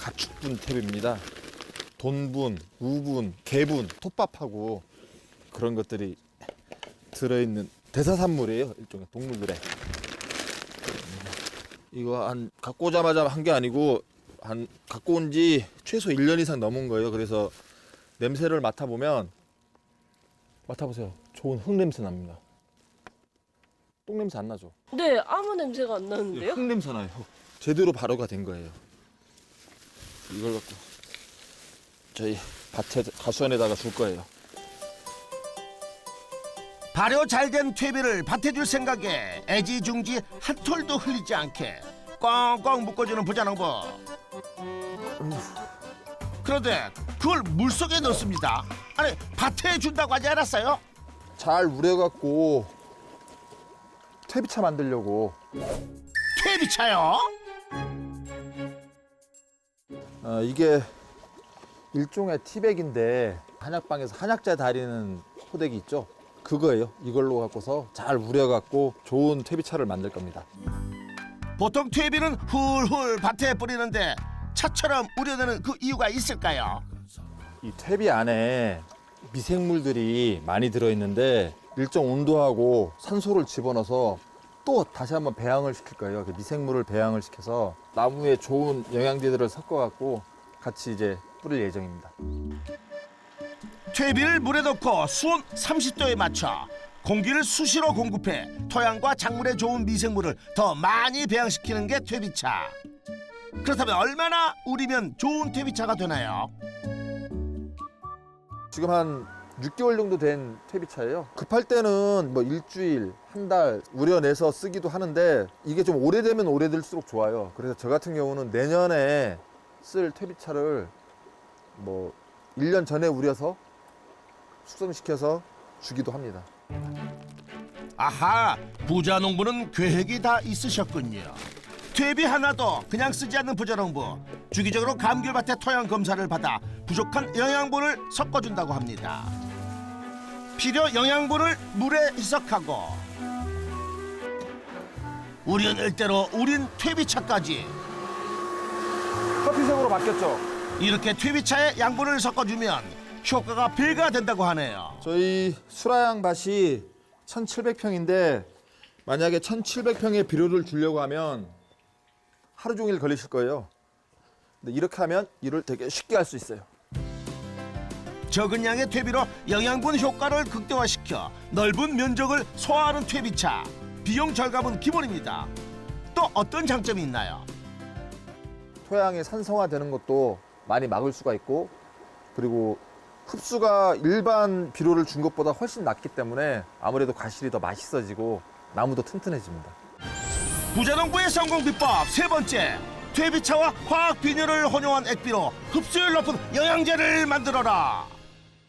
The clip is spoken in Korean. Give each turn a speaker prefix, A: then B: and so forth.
A: 가축분 탭입니다. 돈분, 우분, 개분, 톱밥하고 그런 것들이 들어있는 대사산물이에요. 일종의 동물들의. 이거 갖고 오자마자 한 게 아니고 갖고 온 지 최소 1년 이상 넘은 거예요. 그래서 냄새를 맡아보면 맡아보세요. 좋은 흙 냄새 납니다. 똥 냄새 안 나죠?
B: 네, 아무 냄새가 안 나는데요?
A: 흙 냄새 나요. 제대로 발효가 된 거예요. 이걸 갖고 저희 밭에 가수원에다가 줄 거예요.
C: 발효 잘 된 퇴비를 밭에 줄 생각에 애지중지 한 톨도 흘리지 않게 꽁꽁 묶어주는 부자농부. 그런데 그걸 물속에 넣습니다. 아니 밭에 준다고 하지 않았어요?
A: 잘 우려갖고 퇴비차 만들려고.
C: 퇴비차요?
A: 이게 일종의 티백인데 한약방에서 한약재 다리는 호dek이 있죠? 그거예요. 이걸로 갖고서 잘 우려갖고 좋은 퇴비차를 만들 겁니다.
C: 보통 퇴비는 훌훌 밭에 뿌리는데 차처럼 우려내는 그 이유가 있을까요?
A: 이 퇴비 안에 미생물들이 많이 들어있는데 일정 온도하고 산소를 집어넣어서 또 다시 한번 배양을 시킬 거예요. 그 미생물을 배양을 시켜서 나무에 좋은 영양제들을 섞어갖고 같이 이제 뿌릴 예정입니다.
C: 퇴비를 물에 넣고 수온 30도에 맞춰 공기를 수시로 공급해 토양과 작물에 좋은 미생물을 더 많이 배양시키는 게 퇴비차. 그렇다면 얼마나 우리면 좋은 퇴비차가 되나요?
A: 지금 한 6개월 정도 된 퇴비차예요. 급할 때는 뭐 일주일, 한 달 우려내서 쓰기도 하는데 이게 좀 오래되면 오래될수록 좋아요. 그래서 저 같은 경우는 내년에 쓸 퇴비차를 뭐 1년 전에 우려서 숙성시켜서 주기도 합니다.
C: 아하, 부자 농부는 계획이 다 있으셨군요. 퇴비 하나도 그냥 쓰지 않는 부자 농부. 주기적으로 감귤밭의 토양 검사를 받아 부족한 영양분을 섞어준다고 합니다. 필요 영양분을 물에 희석하고 우려낼 대로 우린 퇴비차까지.
A: 커피색으로 바뀌었죠?
C: 이렇게 퇴비차에 양분을 섞어주면 효과가 배가 된다고 하네요.
A: 저희 수라양 밭이 1,700평인데 만약에 1,700평의 비료를 주려고 하면 하루 종일 걸리실 거예요. 근데 이렇게 하면 일을 되게 쉽게 할 수 있어요.
C: 적은 양의 퇴비로 영양분 효과를 극대화시켜 넓은 면적을 소화하는 퇴비차. 비용 절감은 기본입니다. 또 어떤 장점이 있나요?
A: 토양이 산성화되는 것도 많이 막을 수가 있고 그리고 흡수가 일반 비료를 준 것보다 훨씬 낮기 때문에 아무래도 과실이 더 맛있어지고 나무도 튼튼해집니다.
C: 부자농부의 성공 비법 세 번째. 퇴비차와 화학 비료를 혼용한 액비로 흡수율 높은 영양제를 만들어라.